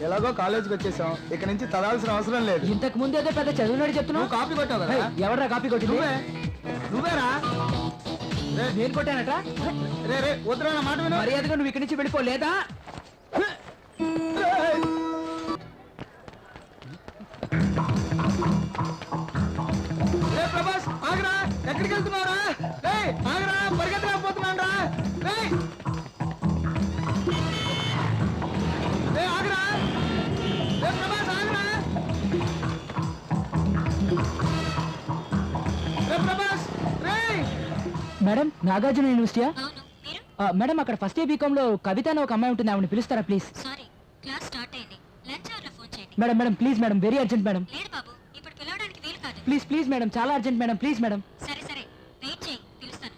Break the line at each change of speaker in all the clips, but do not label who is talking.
ఎలాగో కాలేజీకి వచ్చేసాం, ఇక నుంచి చదవాల్సిన అవసరం లేదు.
ఇంతకు ముందు ఏదో పెద్ద చదువునాడు చెప్తున్నావు.
కాపీ కొట్టావు కదా?
ఎవరా కాపీ కొట్టింది?
నువ్వేరా?
నేను కొట్టానట.
రే రే వద్దురా నా మాట విను.
మర్యాదగా నువ్వు ఇక్కడి నుంచి వెళ్ళిపోలేదా?
ప్రభాస్ ఆగరా, ఎక్కడికి వెళ్తున్నావురా? రే ఆగరా, పరిగెత్తలేకపోతున్నాను రా. రే ఆగరా, రే ప్రభాస్ ఆగరా, రే ప్రభాస్ రే.
మేడం నాగార్జున యూనివర్సిటీయా? మేడం అక్కడ ఫస్ట్ ఇయర్ బీకామ్ లో కవిత అని ఒక అమ్మాయి ఉంటుంది, ఆవిడ పిలుస్తారా ప్లీజ్?
సారీ, క్లాస్ స్టార్ట్ అయింది. లంచ్ అవర్ లో ఫోన్ చేయండి.
Madam madam please madam, very urgent madam.
లేదు బాబు, ఇప్పుడు పిలవడానికి వీలు కాదు.
ప్లీజ్ ప్లీజ్ మేడం, చాలా అర్జెంట్ మేడం, ప్లీజ్ మేడం.
సరే సరే, వెయిట్ చేయి, పిలుస్తాను.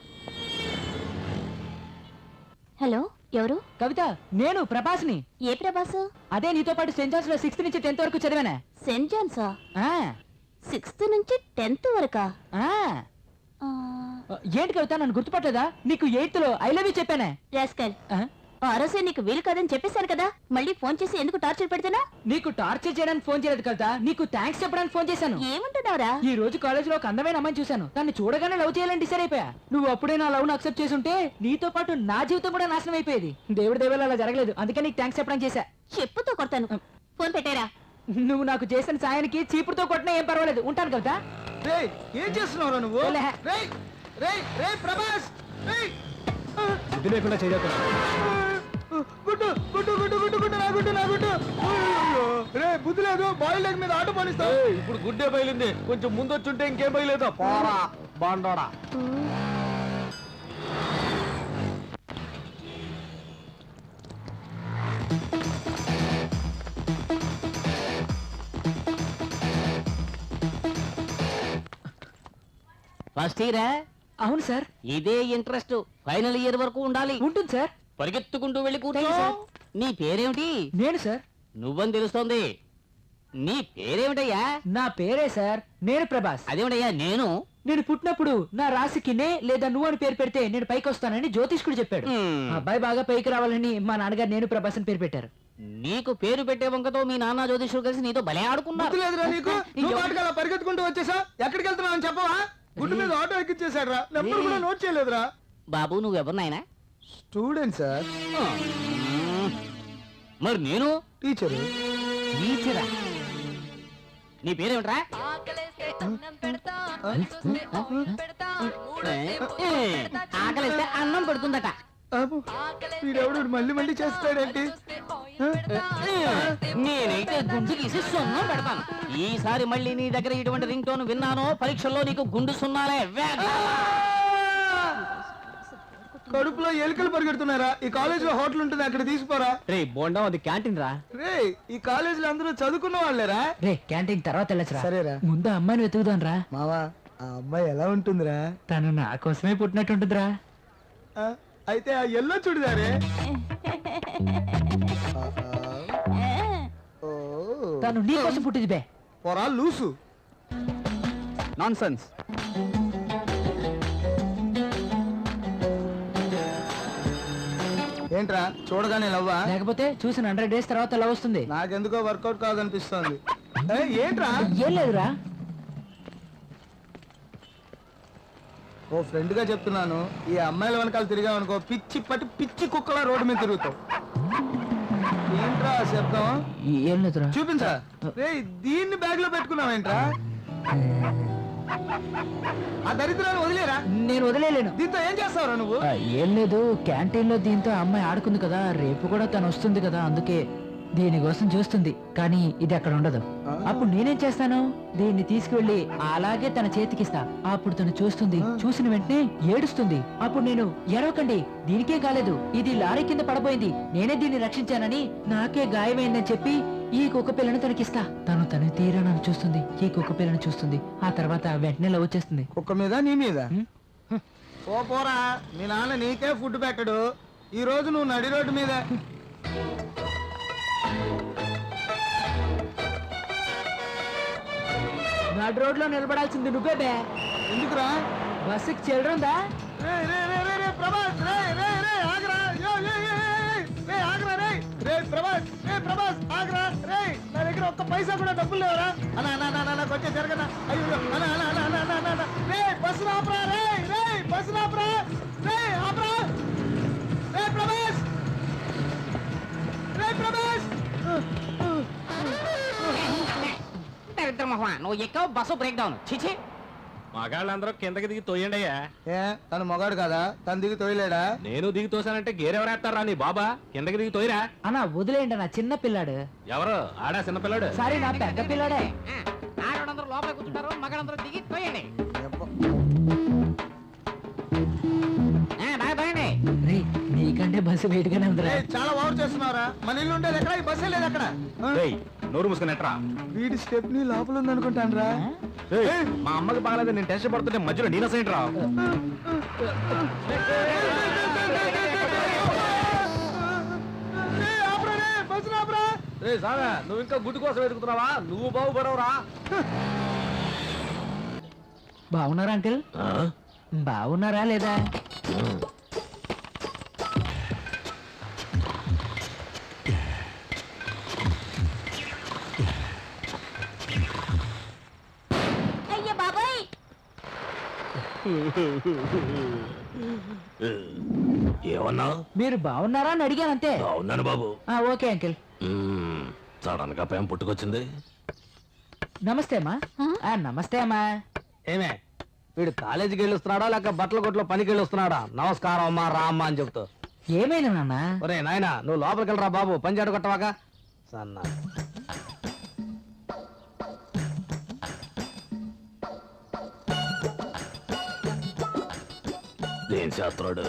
హలో, ఎవరు?
కవిత, నేను ప్రభాస్ని.
ఏ ప్రభాసు?
అదే నీతో పాటు సెయింట్ జాన్స్ లో 6th నుంచి 10th వరకు చదివానా.
సెయింట్ జాన్సా?
ఆ,
6th నుంచి 10th వరకా?
ఆ. ఏంటి కవిత, నన్ను గుర్తుపట్టలేదా? నీకు 8th లో ఐ లవ్ యూ చెప్పానే.
రాస్కల్, ఆ రోజే నీకు వీలు కాదని చెప్పేశాను కదా, మళ్ళీ ఫోన్ చేసి ఎందుకు టార్చర్ పెడుతున్నా?
నీకు టార్చర్ చేయడానికి ఫోన్ చేయలేదు కవిత, నీకు థ్యాంక్స్ చెప్పడానికి ఫోన్ చేశాను.
ఏమంటున్నావురా?
ఈ రోజు కాలేజ్ లో ఒక అందమైన అమ్మాయిని చూశాను, తన్ని చూడగానే లవ్ చేయాలని డిసైడ్ అయిపోయా. నువ్వు అప్పుడే నా లవ్ ను అక్సెప్ట్ చేసుంటే నీతో పాటు నా జీవితం కూడా నాశనం అయిపోయేది. దేవుడి దేవాల అలా జరగలేదు, అందుకే నీకు థ్యాంక్స్ చెప్పడానికి చేశా.
చెప్పుతో కొడతాను, ఫోన్ పెట్టారా?
నువ్వు నాకు చేసిన సాయానికి చీపురుతో కొట్టినా ఏం పర్వాలేదు. ఉంటాను కవిత.
ఏం చేస్తున్నావురా నువ్వు? ప్రభాస్ బుద్ధి లేకుండా చేయకుండా గుడ్డు గుడ్డు గుడ్డు గుడ్డు గుడ్డు నా గుడ్డు నా గుడ్డు. రే బుద్ధి లేదు, బాయిల్ లెగ్ మీద ఆటో పనిస్తావు. ఇప్పుడు గుడ్డే బయలుంది, కొంచెం ముందు వచ్చుంటే ఇంకేం బయలుదేదా పోరా బాండోడా.
ఫస్ట్ ఇయరా?
అవును సార్.
ఇదే ఇంట్రెస్ట్ ఫైనల్ ఇయర్ వరకు ఉండాలి.
ఉంటుంది సార్.
పరిగెత్తుకుంటూ వెళ్ళి కూర్చో. నీ పేరేమిటి?
నేను సార్.
నువ్వని తెలుస్తోంది. నీ పేరేమిటయ్యా?
నా పేరే సార్, నేను ప్రభాస్.
అదేమిటయ్యా నేను?
నేను పుట్టినప్పుడు నా రాశికి నే లేదా నువ్వు అని పేరు పెడితే నేను పైకి వస్తానని జ్యోతిష్కుడు చెప్పాడు. అబ్బాయి బాగా పైకి రావాలని మా నాన్నగారు నేను ప్రభాస్ అని పేరు పెట్టారు.
నీకు పేరు పెట్టే వంకతో మీ నాన్న జ్యోతిష్కుడు కలిసి నీతో భలే ఆడుకున్నారు.
పరిగెత్తుకుంటూ వచ్చేసా, ఎక్కడికి వెళ్తున్నావు అని చెప్పవా? గుడ్డు మీద ఆటో ఎక్కిచ్చేసాడు రా, నెంబర్ కూడా నోట్ చేయలేదురా.
బాబు నువ్వెవరు నాయనా?
Student sir.
మరి నేను
టీచరు.
టీచరా? నీ పేరేమిట్రా? ఆకలిస్తే అన్నం పెడుతుందట.
వీడెవడు మళ్ళీ మళ్ళీ చేస్తాడేంటి?
నేనైతే గుండు గీసి సున్నం పెడతాను. ఈసారి మళ్ళీ నీ దగ్గర ఇటువంటి రింగ్ టోన్ విన్నానో పరీక్షల్లో నీకు గుండు సున్నాలే.
కడుపులో ఎలుకలు పరిగెడుతున్నారా? ఈ కాలేజ్ లో హోటల్ ఉంటుంది, అక్కడ తీసుకోరా.
రే బోండా, అది క్యాంటీన్ రా.
రే ఈ కాలేజ్ లో అందరూ చదువుకున్న వాళ్ళేరా.
రే క్యాంటీన్ తర్వాత వెళ్ళొచ్చురా.
సరేరా,
ముందు అమ్మాయిని వెతుకుదాం రా.
మావా ఆ అమ్మాయి ఎలా ఉంటుందిరా?
తను నా కోసమే పుట్టినట్టుంటుందిరా.
అయితే ఆ ఎల్లో చూడదారే,
తను నీ కోసం పుట్టింది బే.
పొరా లూసు. Nonsense. ఏంట్రా చూడగానే లవ్వా?
లేకపోతే చూసిన 100 days తర్వాత లవ్ వస్తుంది.
నాకెందుకో వర్కౌట్ కాదనిపిస్తుంది. ఏంట్రా?
ఏం లేదురా.
ఓ ఫ్రెండ్ గా చెప్తున్నాను, ఈ అమ్మాయిల వెనకాల తిరిగామనుకో పిచ్చి పట్టి పిచ్చి కుక్కలా రోడ్డు మీద తిరుగుతావు. ఏంట్రా శబ్దం?
ఏం లేదురా.
చూపించా. రే దీన్ని బ్యాగ్ లో పెట్టుకున్నావేంట్రా? ఆ దరిద్రాన్ని వదిలేరా?
నేను వదిలేను.
దీంతో ఏం చేస్తావురా నువ్వు?
ఏం లేదు, క్యాంటీన్ లో దీంతో అమ్మాయి ఆడుకుంది కదా, రేపు కూడా తను వస్తుంది కదా, అందుకే దీనికోసం చూస్తుంది. కానీ ఇది అక్కడ ఉండదు. అప్పుడు నేనేం చేస్తాను, దీన్ని తీసుకువెళ్ళి అలాగే తన చేతికిస్తా. అప్పుడు తను చూస్తుంది, చూసిన వెంటనే ఏడుస్తుంది. అప్పుడు నేను ఎరవకండి, దీనికే కాలేదు, ఇది లారీ కింద పడబోయింది, నేనే దీన్ని రక్షించానని, నాకే గాయమైందని చెప్పి ఈ కుక్క పిల్లను తనకిస్తా. తను తీరా నన్ను చూస్తుంది, ఈ కుక్క పిల్లను చూస్తుంది. ఆ తర్వాత వెంటనే లవ్ వచ్చేస్తుంది.
కుక్క మీద నీ మీద? ఓ పోరా, మీ నాన్న నీకే ఫుడ్ పెట్టడు, ఈ రోజు నువ్వు నడి రోడ్డు మీద.
నడు రోడ్ లో నిలబడాల్సింది నువ్వే బే.
ఎందుకురా?
బస్సుకి చిల్లరుందా?
ప్రభాస్ కూడా డబ్బులు లేవరా? అన్నా అన్నా అన్నా అన్నా కొంచెం జరగనా? అయ్యో అన్నా అన్నా అన్నా అన్నా అన్నా అన్నా రే బస్సు ఆపరా, రే రే బస్సు ఆపరా, రే ఆపరా, రే ప్రభేష్, రే ప్రభేష్.
నువ్వు ఎక్కవు బస్సు బ్రేక్ డౌన్. చిచి,
మగాళ్ళందరూ కిందకి దిగి తోయండి అయ్యా.
ఏ తను మొగాడు కదా, తను దిగి తోయలేడా?
నేను దిగి తోసానంటే గేరెవరేస్తారా నీ బాబా? కిందకి దిగి తోయిరా.
అన్నా వదిలేయండి నా చిన్న పిల్లాడు.
ఎవరు ఆడా చిన్నపిల్లాడు?
సారీ నా పెద్ద పిల్లాడే.
ఆడవాళ్ళందరూ లోపల కూర్చుంటారు, మగాళ్ళందరూ దిగి తోయండి. బాగా తోయండి.
రే నీకంటే బస్సు వెయిట్ గానే ఉందిరా.
ఏయ్, చాలా ఓవర్ చేస్తున్నావురా. మన ఇల్లు ఉండేది ఎక్కడ? ఈ బస్సే లేదు అక్కడ.
ఏయ్, నోరు మూసుకుని ఎట్రా.
వీడి స్టెప్ నీ లోపల ఉంది అనుకుంటాను రా.
ఏయ్, మా అమ్మకి బాగలేదు, నేను టెన్షన్ పడుతుంటే మధ్యలో నేను సైడ్ రా. రే సాగా, నువ్వు ఇంకా గుడ్డు కోసం వెతుకుతున్నావా? నువ్వు బాగుపడవురా.
బాగున్నారా అంకిల్? బాగున్నారా లేదా?
అయ్య బాబాయ్,
ఏమన్నా?
మీరు బాగున్నారా అని అడిగాను అంతే.
అవునాను బాబు.
Okay uncle.
సడన్ గా పేం పుట్టుకొచ్చింది.
నమస్తే అమ్మా. నమస్తే అమ్మా.
ఏమే వీడు కాలేజీకి వెళ్ళొస్తున్నాడా లేక బట్టల కొట్లో పనికి వెళ్ళొస్తున్నాడా? నమస్కారం అమ్మా రా అమ్మా అని చెప్తూ.
ఏమైనా నాన్న?
ఒరే నాయనా, నువ్వు లోపలికి వెళ్ళరా బాబు, పని చేయడం కొట్టవాక సన్నా.
ఏం చేస్తున్నాడు?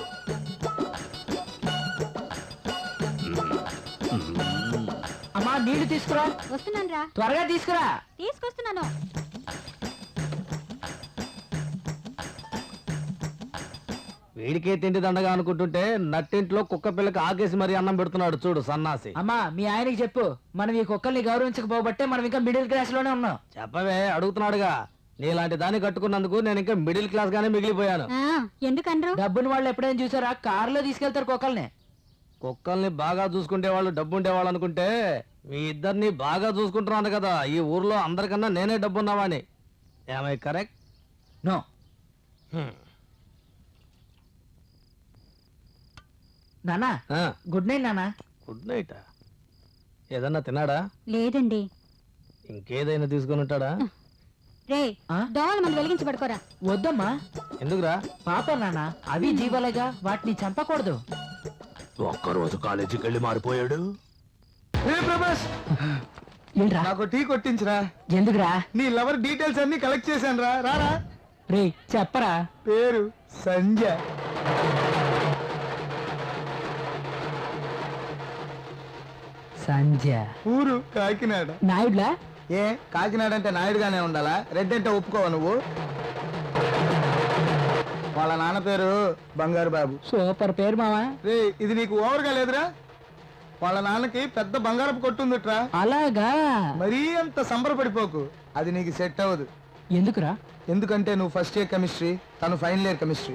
అమ్మా నీళ్లు తీసుకురా.
వస్తున్నాను రా,
త్వరగా తీసుకురా.
తీసుకొస్తున్నాను.
వీడికే తిండి దండగా అనుకుంటుంటే నట్టింట్లో కుక్క పిల్లకి ఆకేసి మరీ అన్నం పెడుతున్నాడు చూడు సన్నాసి.
అమ్మా మీ ఆయనకి చెప్పు, మనం ఈ కుక్కల్ని గౌరవించకపోబట్టే మనం ఇంకా మిడిల్ క్లాస్ లోనే ఉన్నాం.
చెప్పవే, అడుగుతున్నాడుగా. నీలాంటి దాన్ని కట్టుకున్నందుకు నేను ఇంకా మిడిల్ క్లాస్ గానే మిగిలిపోయాను.
ఎందుకనరు?
డబ్బుని వాళ్ళు ఎప్పుడైనా చూసారా? కారులో తీసుకెళ్తారు కుక్కల్ని.
కుక్కల్ని బాగా చూసుకుంటే వాళ్ళు డబ్బు ఉండేవాళ్ళు అనుకుంటే మీ ఇద్దరిని బాగా చూసుకుంటున్నాను కదా. ఈ ఊర్లో అందరికన్నా నేనే డబ్బున్నావాని. ఏమై కరెక్ట్?
నో. నానా గుడ్ నైట్ నానా.
Good night. ఏదన్నా తిన్నాడా?
లేదండి.
ఇంకేదైనా తీసుకుని ఉంటాడా?
రే దోమల మంది వెలిగించి పడుకోరా.
వద్దమ్మా.
ఎందుకురా?
పాప నానా, అవి జీవాలేగా, వాటిని చంపకూడదు.
ఒక్కరోజు కాలేజీకి వెళ్ళి మారిపోయాడు.
ఏ ప్రభాస్,
ఏంట్రా?
నాకు టీ కొట్టించరా.
ఎందుకురా?
నీ లవర్ డీటెయిల్స్ అన్ని కలెక్ట్ చేశాను రా. రారా.
రే చెప్పరా.
పేరు సంజయ్.
సంజయ్.
ఊరు కాకినాడ.
నాయుడులా?
ఏ కాకినాడ అంటే నాయుడుగానే ఉండాలా? రెడ్ అంటే ఒప్పుకోవా నువ్వు? వాళ్ళ నాన్న పేరు బంగారు బాబు.
సూపర్ పేరు మావా.
రే ఇది నీకు ఓవర్గా లేదురా? వాళ్ళ నాన్నకి పెద్ద బంగారపు కొట్టుందిట్రా.
అలాగా?
మరీ అంత సంబరపడిపోకు, అది నీకు సెట్ అవ్వదు.
ఎందుకురా?
ఎందుకంటే నువ్వు ఫస్ట్ ఇయర్ కెమిస్ట్రీ, తను ఫైనల్ ఇయర్ కెమిస్ట్రీ.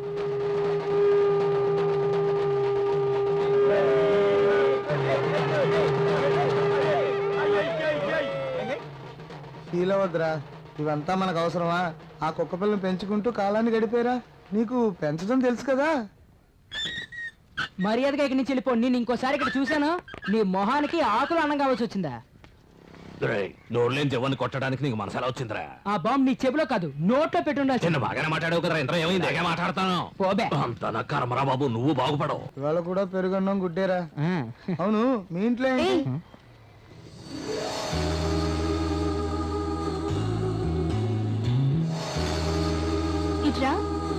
ఫీల్ అవ్వద్దురా, ఇవంతా మనకు అవసరమా? ఆ కుక్క పిల్లని పెంచుకుంటూ కాలాన్ని గడిపేరా. నీకు పెంచడం తెలుసు కదా.
మర్యాదగా ఇక్కడి నుంచి వెళ్ళిపో. నేను ఇంకోసారి ఇక్కడ చూశాను, నీ మొహానికి ఆకులు అన్నం కావాల్సి వచ్చిందా?
నోరులేని జవాన్ని కొట్టడానికి నీకు మనసు ఎలా వచ్చిందిరా?
ఆ బాంబు నీ చెవిలో కాదు నోట్లో పెట్టుండాల్సి.
చిన్న బాగానే మాట్లాడావు కదరా, ఇంత ఏమైంది? ఏగా మాట్లాడతాను.
పోబే.
అంత నా కర్మరా బాబు, నువ్వు బాగుపడవు.
ఇవాళ కూడా పెరుగన్నం గుడ్డేరా. అవును, మీ ఇంట్లో ఏంటి?
ఇట్రా.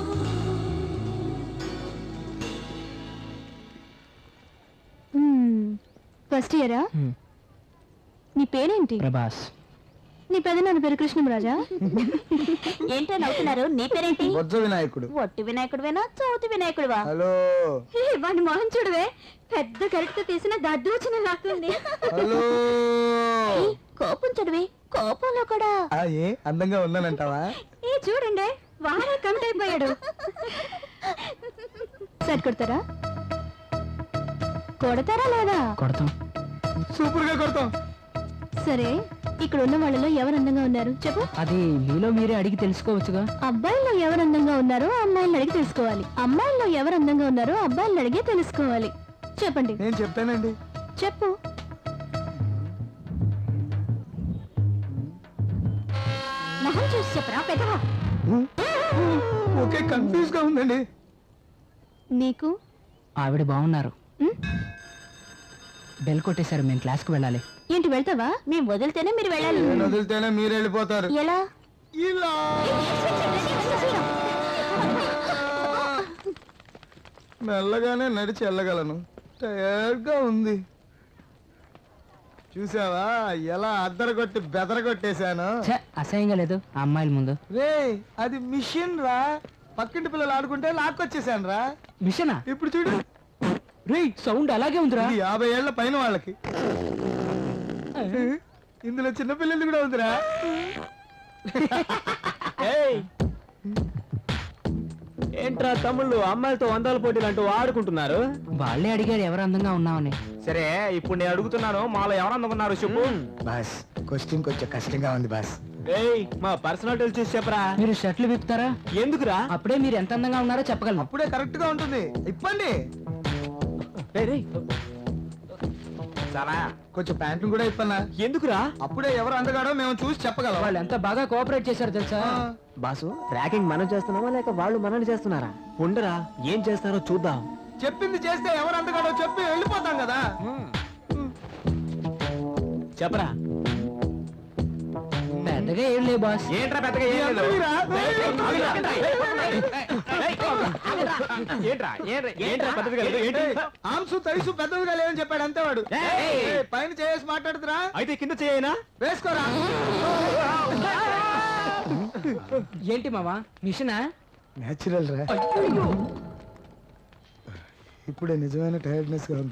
ఫస్ట్ ఇయరా? నీ పేరేంటి?
ప్రభాస్.
నీ పెదనాన్న పేరు కృష్ణరాజా? ఏంటో నవ్వుతున్నారు. నీ పేరేంటి?
బొజ్జ వినాయకుడు.
ఒట్టి వినాయకుడువేనా చౌతి వినాయకుడువా?
హలో.
వాడిని మొహం చూడవే, పెద్ద కరెక్ట్ తీసిన దద్దోచన లాక్కుంది.
హలో.
కోపం చూడవే, కోపంలో కూడా.
ఏ అందంగా ఉన్నానంటావా?
ఏ చూడండి, వాడే కమిట్ అయిపోయాడు. సరి కొడతారా? కొడతారా లేదా?
కొడతాం.
సూపర్ గా కొడతాం.
సరే ఇక్కడ ఉన్న వాళ్ళలో ఎవరు అందంగా ఉన్నారు చెప్పు.
అది మీలో మీరే అడిగి తెలుసుకోవచ్చుగా.
అబ్బాయిల్లో ఎవరు అందంగా ఉన్నారో అమ్మాయిలను అడిగి తెలుసుకోవాలి. అమ్మాయిల్లో ఎవరు అందంగా ఉన్నారో అబ్బాయిలను అడిగే తెలుసుకోవాలి. చెప్పండి.
నేను చెప్తానండి.
చెప్పు. మొహం చూసి చెప్పరా పెద్దవా.
ఓకే, కన్ఫ్యూజ్ గా ఉందండి.
నీకు
ఆవిడ బాగున్నారు.
ఉమ్,
బెల్ కొట్టేశారు, మేము క్లాస్కి వెళ్ళాలి.
ఏంటి వెళ్తావా? మేము వదిలితేనే మీరు వెళ్ళాలి.
నేను వదిలితేనే మీరు వెళ్ళిపోతారు.
ఎలా?
ఇలా మెల్లగానే నడిచి వెళ్ళగలను. టైర్డ్ గా ఉంది. చూసావా ఎలా అద్దరగొట్టి బెదరగొట్టేశాను.
ఛే, అసహ్యంగా లేదు ఆ అమ్మాయిల ముందు.
రే అది మిషన్ రా, పక్కింటి పిల్లలు ఆడుకుంటే లాక్కొచ్చేసాను రా.
మిషనా?
ఇప్పుడు చూడు,
రే సౌండ్ అలాగే ఉందిరా.
ఇది 50 ఏళ్ల పైన వాళ్ళకి. ఇందులో చిన్న పిల్లలు కూడా ఉందిరా.
ఏంట్రా తమ్ముళ్ళు అమ్మాయిలతో వందల పోటీలు అంటూ ఆడుకుంటున్నారు?
వాళ్ళే అడిగారు ఎవరు అందంగా ఉన్నామని.
సరే ఇప్పుడు నేను అడుగుతున్నాను, మాలో ఎవరు అందుకున్నారు చెప్పు.
బాస్ క్వశ్చన్ కొంచెం కష్టంగా ఉంది బాస్.
ఏయ్ మా పర్సనాలిటీలు చూసి చెప్పరా.
మీరు షర్ట్లు విప్పుతారా?
ఎందుకురా?
అప్పుడే మీరు ఎంత అందంగా ఉన్నారో చెప్పగలను.
అప్పుడే కరెక్ట్ గా ఉంటుంది. ఇప్పండి.
చాలా
కొంచెం ప్యాంటు కూడా ఇప్పన్నా.
ఎందుకురా?
అప్పుడే ఎవరు అందగాడో మేము చూసి చెప్పగలం.
వాళ్ళు ఎంత బాగా కోఆపరేట్ చేశారు తెలుసా.
బాసు ర్యాకింగ్ మనం చేస్తున్నామా లేక వాళ్ళు మనల్ని చేస్తున్నారా? ఉండరా ఏం చేస్తారో చూద్దాం.
చెప్పింది చేస్తే ఎవరు అందగాడో చెప్పి వెళ్ళిపోతాం కదా.
చెప్పరా.
పెద్దగా ఏం లేవు బాస్.
ఏంట్రా పెద్దగా ఏం లేదు. ఏంట్రా పెద్దగా లేదు ఏంటి?
ఆంసు తైసు పెద్దదిగా లేదని చెప్పాడు అంతే వాడు. ఏయ్, పైన చేసి మాట్లాడుతురా.
అయితే కింద చేయనా?
వేసుకోరా.
ఏంటి మావా మిషనా?
నేచురల్ రా. ఇప్పుడే నిజమైన టైర్డ్నెస్ గా ఉంది.